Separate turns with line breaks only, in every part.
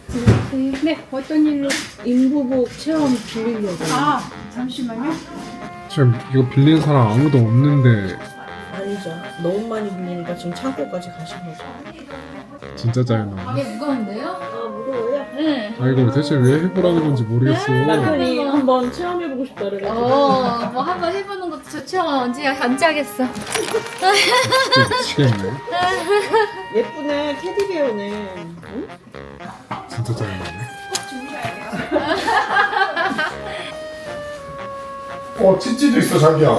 네, 어떤 일로?
인부복 체험 빌리려고.
아, 잠시만요.
지금 이거 빌린 사람 아무도 없는데
아니죠. 너무 많이 빌리니까 지금 창고까지 가신 거죠.
진짜 짜증나.
이게 무거운데요?
아 무거워요?
네.
아 이걸 대체 왜 해보라 그런지 모르겠어.
남편이 한번 체험해보고 싶다 그래가지고.
뭐 한번 해보는 것도 좋죠. 언제 하겠어.
진짜 미치겠네.
예쁘네 테디베어네. 응?
진짜 짜증나네. 치치도 있어 자기야.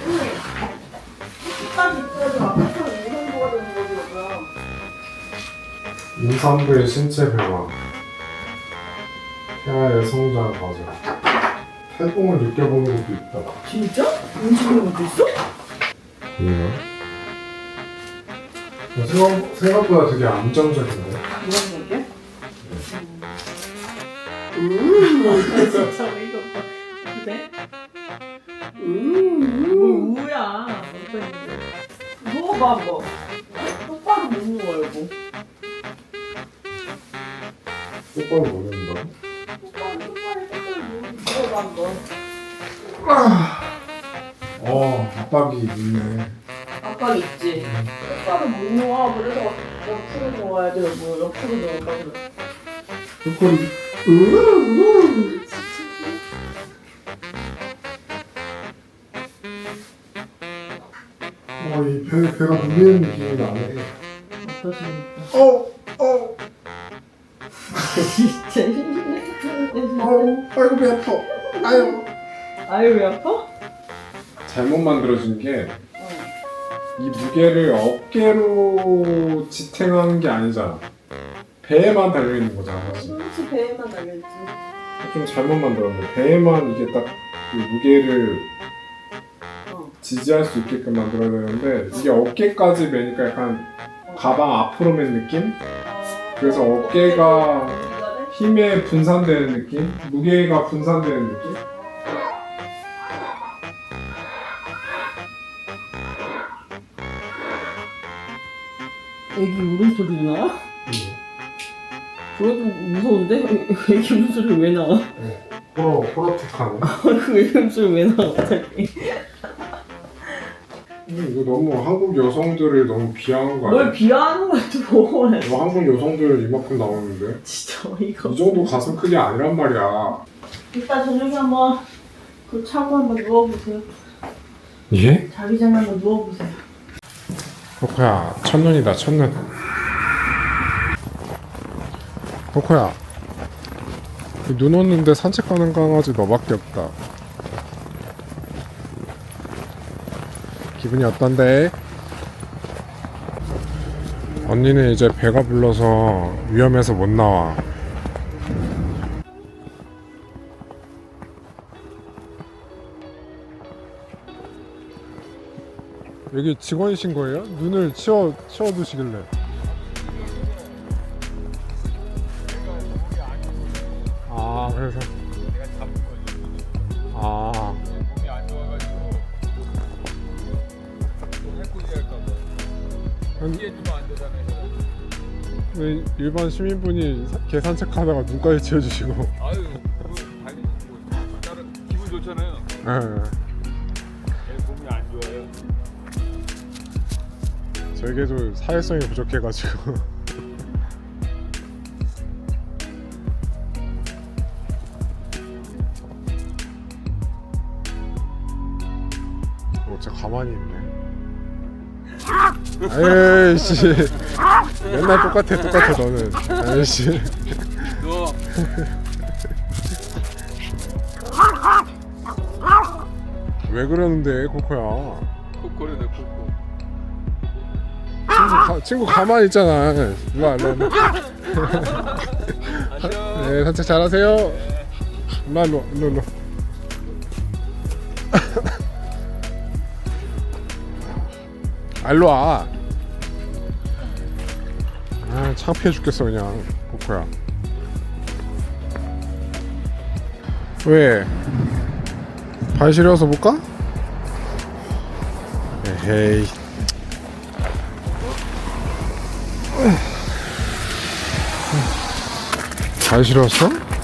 딱 있어도 앞에서 이런 거가 되는 거죠.
임산부의 신체 변화, 태아의 성장 과정, 태동을 느껴보는 것도 있다.
진짜? 움직이는 것도 있어?
생각보다 되게 안정적인데.
이런 거게? 진짜 이거 봐. 그래? 우야. 어떤 일이야? 누워봐 뭐. 똑바로 못 누워요 뭐.
똑바로 모른다.
똑바로 누워봐 뭐.
압박이 있네.
압박 있지. 똑바로 못 누워. 그래서 옆으로 누워야지. 뭐 옆으로 누워봐 그래.
똑바로. 이 배가 눌리는 느낌이 나네.
어떠십니까? 진짜.
아이고 배 아파.
아유 왜 아파?
잘못 만들어진 게 이 무게를 어깨로 지탱하는 게 아니잖아. 배에만 달려 있는 거잖아, 사실.
그렇지 배에만 달려있지.
좀 잘못 만들었는데 배에만 이게 딱 그 무게를 지지할 수 있게끔 만들어야 되는데 이게 어깨까지 매니까 약간 가방 앞으로 맨 느낌? 그래서 어깨가 힘에 분산되는 느낌? 무게가 분산되는 느낌?
애기 울음소리 나? 그거 좀 무서운데? 애기 울음소리 왜 나와?
호러틱하네.
그 애기 울음소리 왜 나와 갑자기?
이거 너무 한국 여성들을 너무 비하한 거 아니야?
뭘 비하하는 거야 또.
너 한국 여성들 이만큼 나오는데?
진짜 어이가
이 정도 가슴 크기 아니란 말이야.
이따 저녁에 한번 그 차고 한번 누워보세요.
예?
자기 전에 한번 누워보세요.
코코야, 첫눈이다, 첫눈. 코코야, 눈 오는데 산책 가는 강아지 너밖에 없다. 기분이 어떤데? 언니는 이제 배가 불러서 위험해서 못 나와. 여기 직원이신 거예요? 눈을 치워두시길래. 아, 그래서. 아. 왜 일반 시민분이 개 산책하다가 눈까지 치워주시고.
아유, 당연히 뭐 다른 기분 좋잖아요.
예.
내 몸이 안 좋아요.
저에게도 사회성이 부족해가지고. 진짜 가만히 있네. 에이씨, 맨날 똑같아 너는. 에이씨.
너
왜 그러는데 코코야?
코코래 내 코코.
친구 가만히 있잖아. 일로와. 네, 산책 잘하세요. 일로. 일로와. 창피해 죽겠어 그냥 코코야. 왜? 발 시려서 못 가? 에헤이. 잘 실었어?